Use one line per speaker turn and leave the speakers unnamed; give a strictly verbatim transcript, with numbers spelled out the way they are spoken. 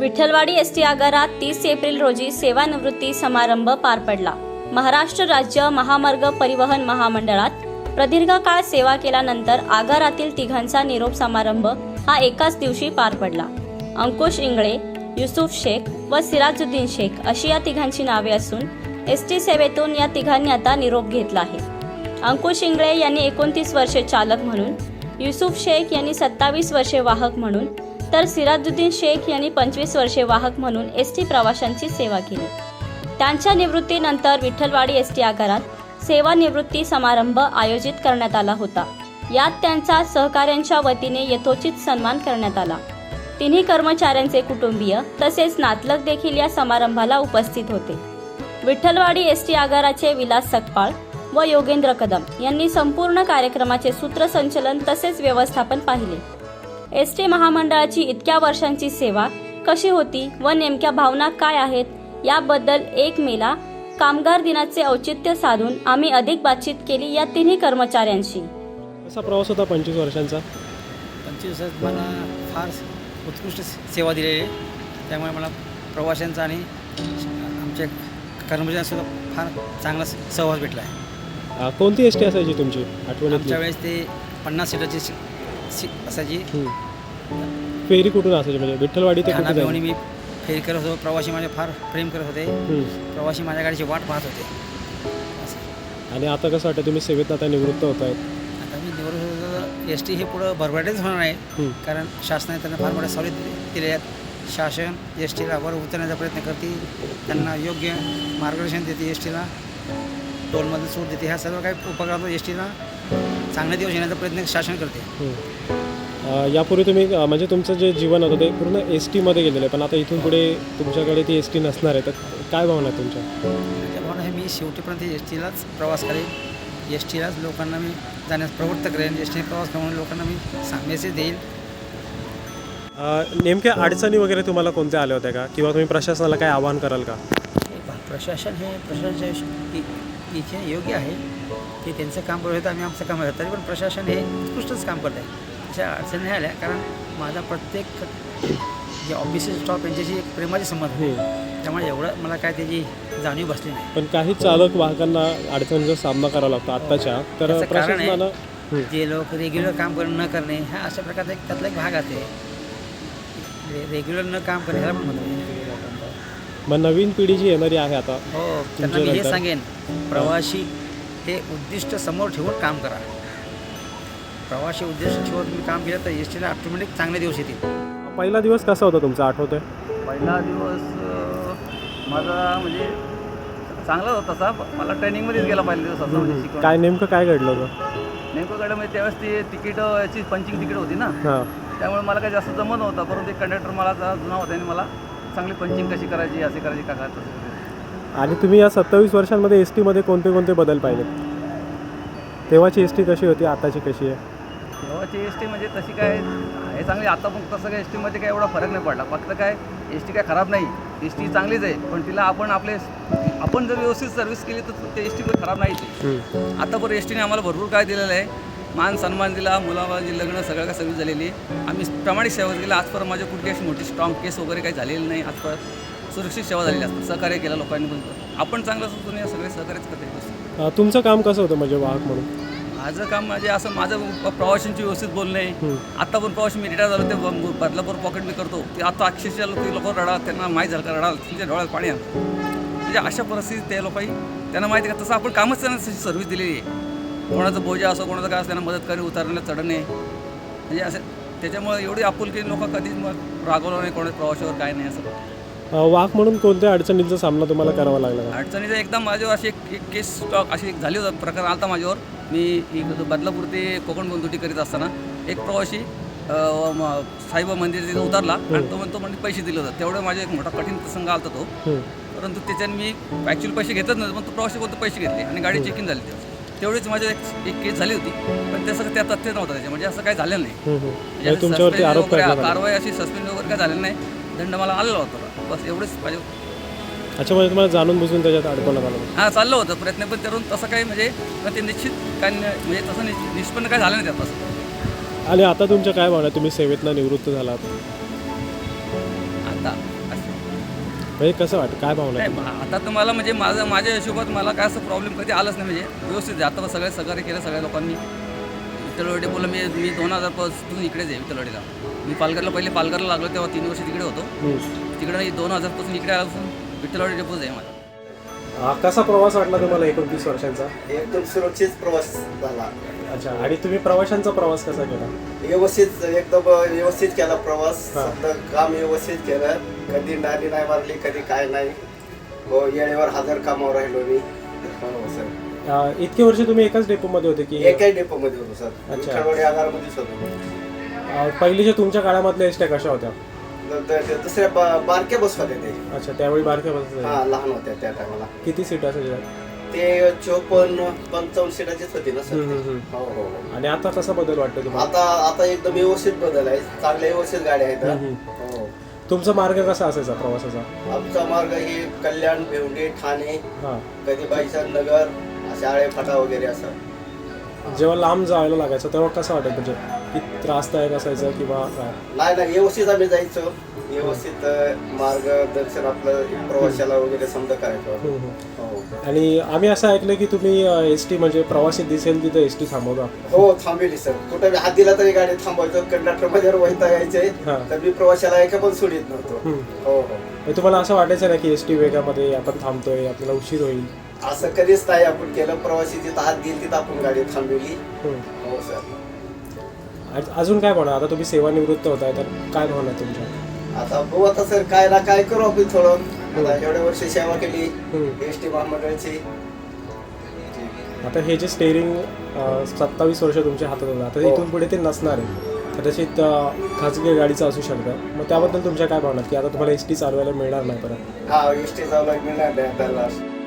Vitthalwadi S T आगारात तीस April रोजी सेवानिवृत्ती समारंभ पार पडला। महाराष्ट्र राज्य महामार्ग परिवहन महामंडळात प्रदीर्घ काळ सेवा केल्यानंतर आगारातील तिघांचा निरोप समारंभ हा एकाच दिवशी पार पडला। अंकुश इंगळे, युसुफ शेख व सिराजुद्दीन शेख अशी या तिघांची नावे असून एस टी सेवेतून या तिघांनी आता निरोप घेतला आहे। अंकुश इंगळे यांनी एकोणतीस वर्षे चालक म्हणून, युसुफ शेख यांनी सत्तावीस वर्षे वाहक म्हणून, तर सिराजुद्दीन शेख यांनी पंचवीस वर्षे वाहक म्हणून एस टी प्रवाशांची सेवा केली। त्यांच्या निवृत्तीनंतर विठ्ठलवाडी एस टी आगारात सेवानिवृत्ती समारंभ आयोजित करण्यात आला होता। यात त्यांचा सहकाऱ्यांच्या वतीने यथोचित सन्मान करण्यात आला। तिन्ही कर्मचाऱ्यांचे कुटुंबीय तसेच नातलग देखील या समारंभाला उपस्थित होते। विठ्ठलवाडी एस टी आगाराचे विलास सकपाळ व योगेंद्र कदम यांनी संपूर्ण कार्यक्रमाचे सूत्रसंचलन तसेच व्यवस्थापन पाहिले। एस टी महामंडळाची इतक्या वर्षांची सेवा कशी होती व नेमक्या भावना काय आहेत याबद्दल एक मेला कामगार दिनाचे औचित्य साधून आम्ही अधिक बातचीत केली या तिन्ही कर्मचाऱ्यांशी।
कसा प्रवास होता पंचवीस वर्षांचा?
पंचवीस वर्षात मला फार उत्कृष्ट सेवा दिलेली आहे, त्यामुळे मला प्रवाशांचा आणि आमच्या कर्मचाऱ्यांसुद्धा फार चांगला सहवास भेटला आहे।
कोणती एस टी असायची तुमची आठवण?
आमच्या वेळेस ते पन्नास सीटाची सी असायची।
फेरी कुठून असायची म्हणजे विठ्ठलवाडी ते कुठे?
मी फेरी करत होतो, प्रवासी माझे फार प्रेम करत होते, प्रवासी माझ्या गाडीची वाट पाहत होते।
आणि आता कसं वाटतं तुम्ही सेवेत आता निवृत्त होत आहेत?
आता मी निवृत्त एस टी हे पुढं भरभराटीच होणार आहे, कारण शासनाने त्यांना फार मोठ्या सवलती दिल्या आहेत। शासन एस टीला वर उतरण्याचा प्रयत्न करते, त्यांना योग्य मार्गदर्शन देते, एस टीला टोलमध्ये सूट देते, ह्या सर्व काही उपक्रम एस टीला चांगले दिवस येण्याचा प्रयत्न शासन करते।
यापूर्वी तुम्ही म्हणजे तुमचं जे जीवन होतं ते पूर्ण एस टीमध्ये गेलेलं आहे, पण आता इथून पुढे तुमच्याकडे ती एस टी नसणार आहे, तर काय भावना आहे तुमच्या?
त्या भावना आहे, मी शेवटीपर्यंत एस टीलाच प्रवास करेन, एस टीलाच लोकांना मी जाण्यास प्रवृत्त करेन, एस टी प्रवास करून लोकांना मी मेसेज देईल।
नेमक्या अडचणी वगैरे तुम्हाला कोणत्या आल्या होत्या का, किंवा तुम्ही प्रशासनाला काय आवाहन कराल का?
प्रशासन हे प्रशासनाच्या इथे योग्य आहे, ते त्यांचं काम करत आम्ही आमचं काम करत, तरी पण प्रशासन हे उत्कृष्टच काम करत आहे। अशा अडचणी नाही आल्या, कारण माझा प्रत्येक जे ऑफिसचे स्टॉफ यांच्याशी एक प्रेमाचे संबंध आहे, त्यामुळे एवढं मला काय त्याची जाणीव बसली नाही।
पण काही चालक वाहकांना अडचणीचा सामना करावा लागतो आत्ताच्या, तर प्रशासनाला
जे लोक रेग्युलर काम कर न करणे हा अशा प्रकारचा एक त्यातला एक भाग असते, रेग्युलर न काम करणे ह्याला पण म्हणतो।
मग नवीन पिढी जी येणारी आहे आता,
हो, त्यांना मी हे सांगेन, प्रवासी हे उद्दिष्ट समोर ठेवून काम करा। प्रवासी उद्देश ठेवून तुम्ही काम केलं तर एस टीला ऑटोमॅटिक चांगले दिवस येतील।
पहिला दिवस कसा होता तुमचा, आठवतोय?
पहिला दिवस माझा म्हणजे चांगला होता तसा, मला ट्रेनिंगमध्येच गेला पहिला दिवस असा म्हणजे शिकवण।
काय नेमकं काय घडलं होतं?
नेमकं घडलं म्हणजे त्यावेळेस ती तिकीट याची पंचिंग तिकीट होती ना, त्यामुळे मला काही जास्त जमत नव्हतं, परंतु एक कंडक्टर मला जुना होता आणि मला चांगली पंचिंग कशी करायची, असे करायची का तसं।
आणि तुम्ही या सत्तावीस वर्षांमध्ये एस टीमध्ये कोणते कोणते बदल पाहिले? तेव्हाची एस टी कशी होती, आताची कशी आहे?
तेव्हाची एस टी म्हणजे तशी काय हे चांगली, आता पण तसं काय एस टीमध्ये काय एवढा फरक नाही पडला, फक्त काय एस टी काय खराब नाही, एस टी चांगलीच आहे, पण तिला आपण आपले आपण जर व्यवस्थित सर्व्हिस केली तर ते एस टी पण खराब नाही ती। आता पण एस टीने आम्हाला भरपूर काय दिलेलं आहे, मान सन्मान दिला, मुलाबाळांची लग्न सगळं काय सर्व्हिस झालेली आहे, आम्ही प्रामाणिक सेवा केली। आजपर्यंत माझ्या कुठली अशी मोठी स्ट्रॉंग केस वगैरे काही झालेली नाही, आजपर्यंत सुरक्षित सेवा झालेली असतात, सहकार्य केलं लोकांनी, पण आपण चांगलं असतो या सगळे सहकार्यच करते।
तुमचं काम कसं होतं म्हणजे वाहक म्हणून?
माझं काम म्हणजे असं, माझं प्रवाशांची व्यवस्थित बोलणे, आता पण प्रवासी मी रिटायर झालो ते बदलापूर पॉकेट मी करतो, ते आता अक्षरशः लोक लोक रडाल, त्यांना माहीत झालं का रडाल, त्यांच्या डोळ्यात पाणी आलं, म्हणजे अशा परिस्थितीत ते लोकांनी त्यांना माहिती का तसं आपण कामच त्यांना तशी सर्व्हिस दिलेली आहे। कोणाचं बोजा असो, कोणाचं काय असं त्यांना मदत करणे, उतरणे चढणे, म्हणजे असं त्याच्यामुळे एवढी आपुलकी लोक कधीच मग रागवलं नाही कोणाच्या प्रवाशावर, काय नाही असं।
वाहक म्हणून कोणत्या अडचणींचा सामना तुम्हाला करावा लागला?
अडचणीचा एकदम माझ्यावर अशी एक एक केस स्टॉक अशी एक झाली होता, प्रकार आला माझ्यावर। मी बदलापूर ते कोकण बंदुटी करीत असताना एक प्रवासी साईबाबा मंदिर तिथे उतरला आणि तो म्हणतो म्हणजे पैसे दिले होते, तेवढं माझा एक मोठा कठीण प्रसंग आला तो, परंतु त्याच्याने मी ॲक्च्युअली पैसे घेतच नव्हते, पण तो प्रवासी कोणते पैसे घेतले आणि गाडी चेकिंग झाली, तेवढीच माझी एक एक केस झाली होती, पण ते सगळं त्या तथ्य नव्हतं त्याच्या, म्हणजे असं काही झालेलं नाही, कारवाई अशी सस्पेंड वगैरे काय झालेलं नाही, दंड मला आलेला होता, बस एवढंच माझ्या।
अच्छा, म्हणजे तुम्हाला जाणून बुजून त्याच्यात अडकवण्यात आलं?
हां, चाललं होतं प्रयत्न, पण त्यातून तसं काही म्हणजे ते निश्चित काय म्हणजे तसं निष्पन्न काय झालं नाही त्यात तसं।
आणि आता तुमच्या काय भावना, तुम्ही सेवेतनं निवृत्त झालात
आता
म्हणजे कसं वाटतं, काय भावना आहे?
नाही आता तुम्हाला म्हणजे माझं माझ्या हिशोबात मला काय असं प्रॉब्लेम कधी आलंच नाही, म्हणजे व्यवस्थित आहे. आता सगळे सहकार्य केलं सगळ्या लोकांनी. विठ्ठलवाडी बोललं मी मी दोन हजार पासून इकडेच आहे विठ्ठलवाडीला. मी पालघरला पहिले पालघरला लागलो तेव्हा तीन वर्ष तिकडे होतो.
हम्म.
तिकडे मी दोन हजारपासून इकडे आल्यापासून विठ्ठलवाडी डेपोज आहे माझा.
हा, कसा प्रवास वाटला तुम्हाला एकोणतीस वर्षांचा?
एकदम सुरक्षित प्रवास झाला.
अच्छा, आणि तुम्ही प्रवाशांचा प्रवास कसा केला?
व्यवस्थित एकदम व्यवस्थित केला प्रवास.
हा.
समजा काम व्यवस्थित केलं. कधी नाली नाही मारली, कधी काय नाही. हो, वेळेवर हजर कामावर राहिलो मी. हो सर.
अं, इतके वर्ष तुम्ही एकाच डेपोमध्ये होते की
एकाही डेपोमध्ये होतो सर.
अच्छा.
विठ्ठलवाडी आगारमध्येच होतो.
अं, पहिलीच्या तुमच्या काळामधल्या एसट्या कशा होत्या?
द- द- द- दुसऱ्या बा- बारक्या बस होत्या ते.
अच्छा, त्यावेळी बारक्या बस
हा, लहान होत्या त्या टायमाला.
किती सीट असायच्या?
ते चोपन्न पंचावन्न सीटाचीच होती ना सर.
हम्म, हम्म,
हो हो हो.
आणि आता कसा बदल वाटतो तुम्हाला?
आता आता एकदम व्यवस्थित बदल आहे. चांगल्या व्यवस्थित गाड्या आहेत.
हम्म.
हो.
तुमचा मार्ग कसा असायचा प्रवासाचा?
आमचा मार्ग हे कल्याण, भिवंडी, ठाणे,
हां,
कधी बाईचा नगर, असे आळे फाटा वगैरे असं.
जेव्हा लांब जायला लागायचं तेव्हा कसं वाटायचं, म्हणजे किती त्रासदायक असायचं किंवा काय?
नाही नाही व्यवस्थित आम्ही जायचो. व्यवस्थित अं, मार्गदर्शन आपलं प्रवाशाला वगैरे समजा करायचं.
हम्म, हम्म.
हो
आणि आम्ही असं ऐकलं की तुम्ही एस टी म्हणजे प्रवासी दिसेल तिथं एस टी थांबवता.
हो, थांबेली सर. कुठं बी हात दिला तरी गाडी थांबवायचो. कंडक्टर माझ्यावर वैता यायचे
हां.
तर मी प्रवाशाला एका पण सोडित नव्हतो.
हम्म.
हो हो.
म्हणजे तुम्हाला असं वाटायचं ना की एस टी वेगामध्ये आपण थांबतोय, आपल्याला उशीर होईल?
असं कधीच नाही आपण केलं. प्रवासी जिथं हात देईल तिथं आपण गाडी थांबवली.
हम्म.
हो सर.
आज- अजून काय म्हणा, आता तुम्ही सेवानिवृत्त होताय तर काय भावना तुमच्या?
आता बघू आता सर काय ना काय करू आपण थोडं. आता एवढ्या वर्ष सेवा केली
हम्म.
एस टी महामंडळाची.
आता हे जे स्टेअरिंग सत्तावीस वर्ष तुमच्या हातात होतं, आता
हो.
इथून पुढे ते नसणार आहे. कदाचित अं, खाजगी गाडीचं असू शकतं. मग त्याबद्दल तुमच्या काय भावना की आता तुम्हाला एस टी चालवायला मिळणार नाही परत?
हा, एस टी चालू मिळणार नाही आपल्याला.